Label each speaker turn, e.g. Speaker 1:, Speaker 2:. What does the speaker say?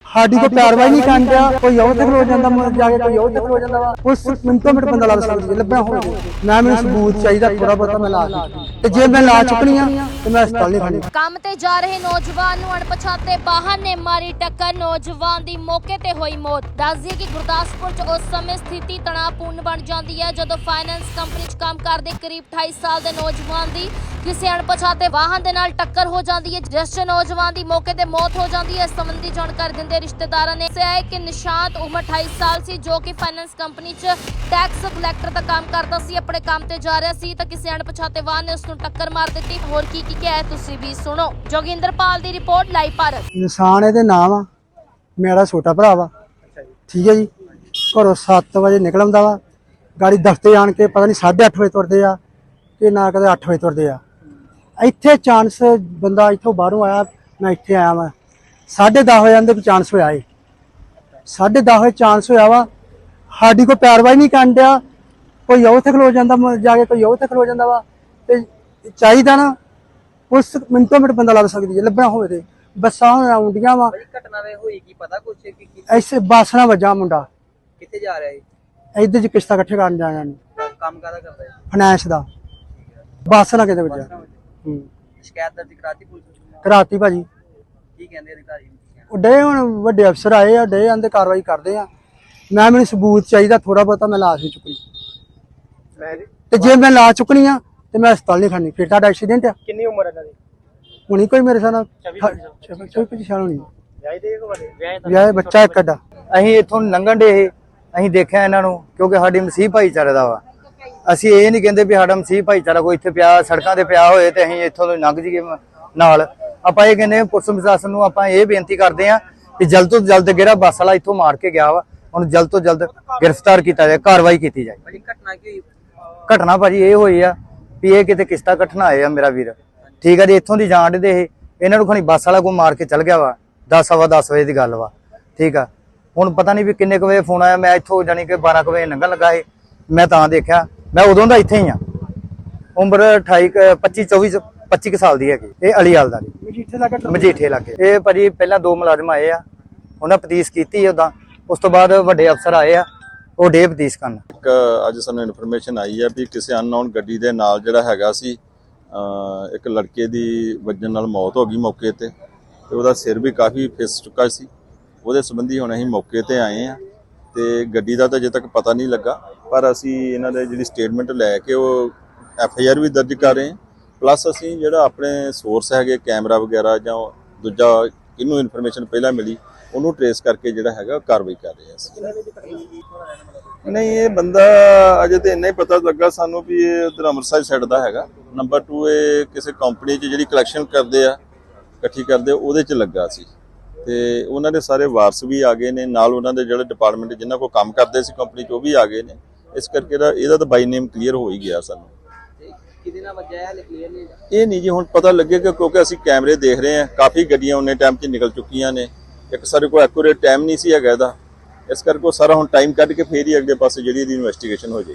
Speaker 1: ਸਾਡੀ ਕੋਈ ਪੈਰਵਾਈ ਨਹੀਂ ਕਰਦਾ, ਕੋਈ ਉਹ ਤੇ ਖਲੋ ਜਾਂਦਾ ਜਾ ਕੇ, ਕੋਈ ਉਹ ਤੇ ਖਲੋ ਜਾਂਦਾ ਵਾ। ਉਸ ਮਿੰਟੋ ਮਿੰਟ ਬੰਦਾ ਲੱਭ ਸਕਦੀ ਲੱਭਣਾ ਹੋਵੇ। ਮੈਂ ਮੈਨੂੰ ਸਬੂਤ ਚਾਹੀਦਾ ਥੋੜਾ ਬਹੁਤਾ, ਮੈਂ ਲਾ ਚੁੱਕੀ ਤੇ ਜੇ ਮੈਂ ਲਾ ਚੁੱਕਣੀ ਆ ਤੇ ਮੈਂ ਹਸਪਤਾਲ ਨਹੀਂ ਖਾਣੀ।
Speaker 2: ਕੰਮ ਤੇ ਜਾ ਰਹੇ ਨੌਜਵਾਨ ਨੂੰ ਅਣਪਛਾਤੇ ਵਾਹਨ ਨੇ ਮਾਰੀ ਟੱਕਰ, ਨੌਜਵਾਨ ਦੀ ਮੌਕੇ ਤੇ ਹੋਈ ਮੌਤ। ਦੱਸ ਦਈਏ ਕਿ ਗੁਰਦਾਸਪੁਰ 'ਚ ਉਸ ਸਮੇਂ ਸਥਿਤੀ ਤਣਾਅਪੂਰਨ ਬਣ ਜਾਂਦੀ ਹੈ ਜਦੋਂ ਫਾਈਨੈਂਸ ਕੰਪਨੀ 'ਚ ਕੰਮ ਕਰਦੇ ਕਰੀਬ 28 ਸਾਲ ਦੇ ਨੌਜਵਾਨ ਦੀ ਕਿਸੇ ਅਣਪਛਾਤੇ ਵਾਹਨ ਦੇ ਨਾਲ ਟੱਕਰ ਹੋ ਜਾਂਦੀ ਹੈ, ਜਿਸ 'ਚ ਨੌਜਵਾਨ ਦੀ ਮੌਕੇ ਤੇ ਮੌਤ ਹੋ ਜਾਂਦੀ ਹੈ। ਇਸ ਸੰਬੰਧੀ ਜਾਣਕਾਰੀ ਦਿੰਦੇ ਰਿਸ਼ਤੇਦਾਰਾਂ ਨੇ ਦੱਸਿਆ ਕਿ ਨਿਸ਼ਾਂਤ ਉਮਰ 28 ਸਾਲ ਸੀ, ਜੋ ਕਿ ਫਾਈਨੈਂਸ ਕੰਪਨੀ 'ਚ ਟੈਕਸ ਕਲੈਕਟਰ ਦਾ ਕੰਮ ਕਰਦਾ ਸੀ। ਆਪਣੇ ਕੰਮ ਤੇ ਜਾ ਰਿਹਾ ਸੀ ਤਾਂ ਕਿਸੇ ਅਣਪਛਾਤੇ ਵਾਹਨ ਨੇ ਉਸ ਨੂੰ ਟੱਕਰ ਮਾਰ ਦਿੱਤੀ। ਹੋਰ ਕੀ ਕਿਹਾ ਹੈ ਤੁਸੀਂ ਵੀ ਸੁਣੋ। ਜੋਗਿੰਦਰਪਾਲ ਦੀ ਰਿਪੋਰਟ, ਲਾਈਵ ਭਾਰਤ।
Speaker 1: ਇਨਸਾਨ ਇਹਦੇ ਨਾਮ ਆ, ਮੇਰਾ ਛੋਟਾ ਭਰਾ ਵਾ, ਠੀਕ ਹੈ ਜੀ। ਘਰੋਂ 7 ਵਜੇ ਨਿਕਲ ਆਉਂਦਾ ਵਾ, ਗਾੜੀ ਦਫ਼ਤਰ ਆਣ ਕੇ ਪਤਾ ਨਹੀਂ 8:30 ਵਜੇ ਤੁਰਦੇ ਆ ਕਿ ਨਾ ਕਦੇ 8 ਵਜੇ ਤੁਰਦੇ ਆ। ਇੱਥੇ ਚਾਂਸ ਬੰਦਾ ਇੱਥੋਂ ਬਾਹਰੋਂ ਆਇਆ, ਮੈਂ ਇੱਥੇ ਆਇਆ ਵਾ 10:30 ਹੋ ਜਾਂਦੇ ਵੀ ਚਾਂਸ ਹੋਇਆ ਏ। 10:30 ਵਜੇ ਚਾਂਸ ਹੋਇਆ ਵਾ, ਸਾਡੀ ਕੋਈ ਪੈਰਵਾਈ ਨਹੀਂ ਕਰਨ ਡਿਆ, ਕੋਈ ਉੱਥੇ ਖਲੋ ਜਾਂਦਾ ਜਾ ਕੇ, ਕੋਈ ਉੱਥੇ ਖਲੋ ਜਾਂਦਾ ਵਾ। ਤੇ ਚਾਹੀਦਾ ਨਾ ਉਸ ਮਿੰਟੋ ਮਿੰਟ ਬੰਦਾ ਲੱਭ ਸਕਦੀ ਹੈ ਲੱਭਣਾ ਹੋਵੇ। ਤੇ ਬੱਸਾਂ ਹੁਣ ਆਉਂਦੀਆਂ ਵਾ,
Speaker 3: ਘਟਨਾ ਵੇ ਹੋਈ ਕੀ ਪਤਾ ਕੁਛ ਕੀ
Speaker 1: ਐਸੇ ਬੱਸ ਨਾਲ ਵੱਜਾ ਮੁੰਡਾ।
Speaker 3: ਕਿੱਥੇ ਜਾ ਰਿਹਾ ਹੈ?
Speaker 1: ਇੱਧਰ ਚ ਕਿਸ਼ਤਾਂ ਇਕੱਠੇ ਕਰਨ ਜਾਣਾ ਨੇ,
Speaker 3: ਕੰਮ ਕਾਹਦਾ ਕਰਦਾ ਹੈ?
Speaker 1: ਫਾਈਨੈਂਸ ਦਾ। ਬੱਸ ਨਾਲ ਕਿਤੇ ਵੱਜਾ।
Speaker 3: ਸ਼ਿਕਾਇਤ ਦਰਜ ਕਰਾਤੀ ਪੁਲਿਸ ਨੂੰ?
Speaker 1: ਕਰਾਤੀ ਭਾਜੀ।
Speaker 3: ਕੀ ਕਹਿੰਦੇ ਅਧਿਕਾਰੀ?
Speaker 1: ਉਹ ਡੇ ਹੁਣ ਵੱਡੇ ਅਫਸਰ ਆਏ ਆ, ਡੇ ਆਂਦੇ ਕਾਰਵਾਈ ਕਰਦੇ ਆ। ਮੈਨੂੰ ਸਬੂਤ ਚਾਹੀਦਾ ਥੋੜਾ ਬਹੁਤਾ, ਮੈਂ ਲਾ ਨਹੀਂ ਚੁੱਕਣੀ ਤੇ ਜੇ ਮੈਂ ਲਾ ਚੁੱਕਣੀ ਆ ਤੇ ਮੈਂ ਹਸਪਤਾਲ ਨਹੀਂ ਖਾਣੀ। ਫਿਰ ਤੁਹਾਡਾ ਐਕਸੀਡੈਂਟ ਆ।
Speaker 3: ਕਿੰਨੀ ਉਮਰ ਹੈ ਇਹਨਾਂ ਦੀ?
Speaker 1: ਹੁਣੀ ਕੋਈ ਮੇਰੇ ਸਾਹ ਨਾਲ 24-25 ਸਾਲ ਹੋਣੀ। ਵਿਆਹ ਬੱਚਾ ਇੱਕ ਅੱਡਾ।
Speaker 4: ਅਸੀਂ ਇੱਥੋਂ ਲੰਘਣ ਦੇ, ਅਸੀਂ ਦੇਖਿਆ ਇਹਨਾਂ ਨੂੰ, ਕਿਉਂਕਿ ਸਾਡੀ ਮਸੀਹ ਭਾਈਚਾਰੇ ਦਾ ਵਾ। ਅਸੀਂ ਇਹ ਨਹੀਂ ਕਹਿੰਦੇ ਵੀ ਸਾਡਾ ਮਸੀਹ ਭਾਈਚਾਰਾ ਕੋਈ ਇੱਥੇ ਪਿਆ ਸੜਕਾਂ ਤੇ ਪਿਆ ਹੋਏ ਤੇ ਅਸੀਂ ਇੱਥੋਂ ਲੰਘ ਜਾਈਏ ਨਾਲ। ਆਪਾਂ ਇਹ ਕਹਿੰਦੇ ਪੁਲਿਸ ਪ੍ਰਸ਼ਾਸਨ ਨੂੰ ਆਪਾਂ ਇਹ ਬੇਨਤੀ ਕਰਦੇ ਆ ਕਿ ਜਲਦ ਤੋਂ ਜਲਦ ਜਿਹੜਾ ਬੱਸ ਵਾਲਾ ਇੱਥੋਂ ਮਾਰ ਕੇ ਗਿਆ ਵਾ ਉਹਨੂੰ ਜਲਦ ਤੋਂ ਜਲਦ ਗ੍ਰਿਫਤਾਰ ਕੀਤਾ ਜਾਏ, ਕਾਰਵਾਈ ਕੀਤੀ ਜਾਏ।
Speaker 3: ਘਟਨਾ ਕੀ?
Speaker 4: ਘਟਨਾ ਭਾਜੀ ਇਹ ਹੋਈ ਆ ਵੀ ਇਹ ਕਿਤੇ ਕਿਸ਼ਤਾ ਕੱਟਣ ਆਏ ਆ ਮੇਰਾ ਵੀਰ, ਠੀਕ ਆ ਜੀ। ਇੱਥੋਂ ਦੀ ਜਾਣ ਦੇ ਇਹ ਇਹਨਾਂ ਨੂੰ ਖਣੀ ਬੱਸ ਵਾਲਾ ਕੋਈ ਮਾਰ ਕੇ ਚੱਲ ਗਿਆ ਵਾ। 10:15 ਵਜੇ ਦੀ ਗੱਲ ਵਾ, ਠੀਕ ਆ। ਹੁਣ ਪਤਾ ਨਹੀਂ ਵੀ ਕਿੰਨੇ ਕੁ ਵਜੇ ਫੋਨ ਆਇਆ, ਮੈਂ ਇੱਥੋਂ ਜਾਣੀ ਕਿ 12 ਵਜੇ ਲੰਘਣ ਲੱਗਾ ਸੀ। ਮੈਂ ਤਾਂ ਦੇਖਿਆ, ਮੈਂ ਉਦੋਂ ਦਾ ਇੱਥੇ ਹੀ ਆ। ਉਮਰ 25 ਸਾਲ ਦੀ ਹੈਗੀ। ਇਹ ਅਲੀਵਾਲ ਦਾ ਮਜੀਠੇ ਲਾਗੇ। ਇਹ ਭਾਜੀ ਪਹਿਲਾਂ 2 ਮੁਲਾਜ਼ਮ ਆਏ ਆ, ਉਹਨਾਂ ਪਤੀਸ ਕੀਤੀ ਉਦਾਂ। ਉਸ ਤੋਂ ਬਾਅਦ ਵੱਡੇ ਅਫਸਰ ਆਏ ਆ, ਉਹ ਡੇ ਪਤੀਸ ਕਰਨ।
Speaker 5: ਅੱਜ ਸਾਨੂੰ ਇਨਫੋਰਮੇਸ਼ਨ ਆਈ ਹੈ ਵੀ ਕਿਸੇ ਅਨਨੋਨ ਗੱਡੀ ਦੇ ਨਾਲ ਜਿਹੜਾ ਹੈਗਾ ਸੀ ਇੱਕ ਲੜਕੇ ਦੀ ਵੱਜਣ ਨਾਲ ਮੌਤ ਹੋ ਗਈ ਮੌਕੇ ਤੇ ਉਹਦਾ ਸਿਰ ਵੀ ਕਾਫੀ ਫਿਸ ਚੁੱਕਾ ਸੀ। ਉਹਦੇ ਸੰਬੰਧੀ ਹੁਣ ਅਸੀਂ ਮੌਕੇ ਤੇ ਆਏ ਆ ਤੇ ਗੱਡੀ ਦਾ ਤਾਂ ਅਜੇ ਤੱਕ ਪਤਾ ਨਹੀਂ ਲੱਗਾ, ਪਰ ਅਸੀਂ ਇਹਨਾਂ ਦੇ ਜਿਹੜੀ ਸਟੇਟਮੈਂਟ ਲੈ ਕੇ ਉਹ FIR ਵੀ ਦਰਜ ਕਰ ਰਹੇ ਹਾਂ। ਪਲੱਸ ਅਸੀਂ ਜਿਹੜਾ ਆਪਣੇ ਸੋਰਸ ਹੈਗੇ ਕੈਮਰਾ ਵਗੈਰਾ ਜਾਂ ਦੂਜਾ ਕਿਹਨੂੰ ਇਨਫੋਰਮੇਸ਼ਨ ਪਹਿਲਾਂ ਮਿਲੀ ਉਹਨੂੰ ਟਰੇਸ ਕਰਕੇ ਜਿਹੜਾ ਹੈਗਾ ਕਾਰਵਾਈ ਕਰ ਰਹੇ ਹਾਂ। ਨਹੀਂ, ਇਹ ਬੰਦਾ ਅਜੇ ਤੇ ਇੰਨਾ ਹੀ ਪਤਾ ਲੱਗਾ ਸਾਨੂੰ ਵੀ ਇਹ ਉਧਰ ਅੰਮ੍ਰਿਤਸਰ ਸਾਈਡ ਦਾ ਹੈਗਾ। ਨੰਬਰ 2 ਇਹ ਕਿਸੇ ਕੰਪਨੀ 'ਚ ਜਿਹੜੀ ਕਲੈਕਸ਼ਨ ਕਰਦੇ ਆ, ਇਕੱਠੀ ਕਰਦੇ, ਉਹਦੇ 'ਚ ਲੱਗਾ ਸੀ ਤੇ ਉਹਨਾਂ ਦੇ ਸਾਰੇ ਵਾਰਸ ਵੀ ਆ ਗਏ ਨੇ ਨਾਲ, ਉਹਨਾਂ ਦੇ ਜਿਹੜੇ ਡਿਪਾਰਟਮੈਂਟ ਜਿਨ੍ਹਾਂ ਕੋਲ ਕੰਮ ਕਰਦੇ ਸੀ ਕੰਪਨੀ 'ਚ ਉਹ ਵੀ ਆ ਗਏ ਨੇ। ਇਸ ਕਰਕੇ ਇਹਦਾ ਤਾਂ ਬਾਈ ਨੇਮ ਕਲੀਅਰ ਹੋ ਹੀ ਗਿਆ ਸਾਨੂੰ।
Speaker 3: ਕਿਹਦੇ ਨਾਲ ਵੱਜਿਆ ਹੈ ਕਲੀਅਰ ਨਹੀਂ?
Speaker 5: ਇਹ ਨਹੀਂ ਜੀ ਹੁਣ ਪਤਾ ਲੱਗੇਗਾ ਕਿਉਂਕਿ ਅਸੀਂ ਕੈਮਰੇ ਦੇਖ ਰਹੇ ਹਾਂ, ਕਾਫੀ ਗੱਡੀਆਂ ਉਹਨੇ ਟਾਈਮ 'ਚ ਨਿਕਲ ਚੁੱਕੀਆਂ ਨੇ। ਇੱਕ ਸਾਡੇ ਕੋਲ ਐਕੂਰੇਟ ਟਾਈਮ ਨਹੀਂ ਸੀ ਹੈਗਾ ਇਹਦਾ, ਇਸ ਕਰਕੇ ਉਹ ਸਾਰਾ ਹੁਣ ਟਾਈਮ ਕੱਢ ਕੇ ਫੇਰ ਹੀ ਅਗਲੇ ਪਾਸੇ ਜਿਹੜੀ ਇਹਦੀ ਇਨਵੈਸਟੀਗੇਸ਼ਨ ਹੋ ਜਾਏ।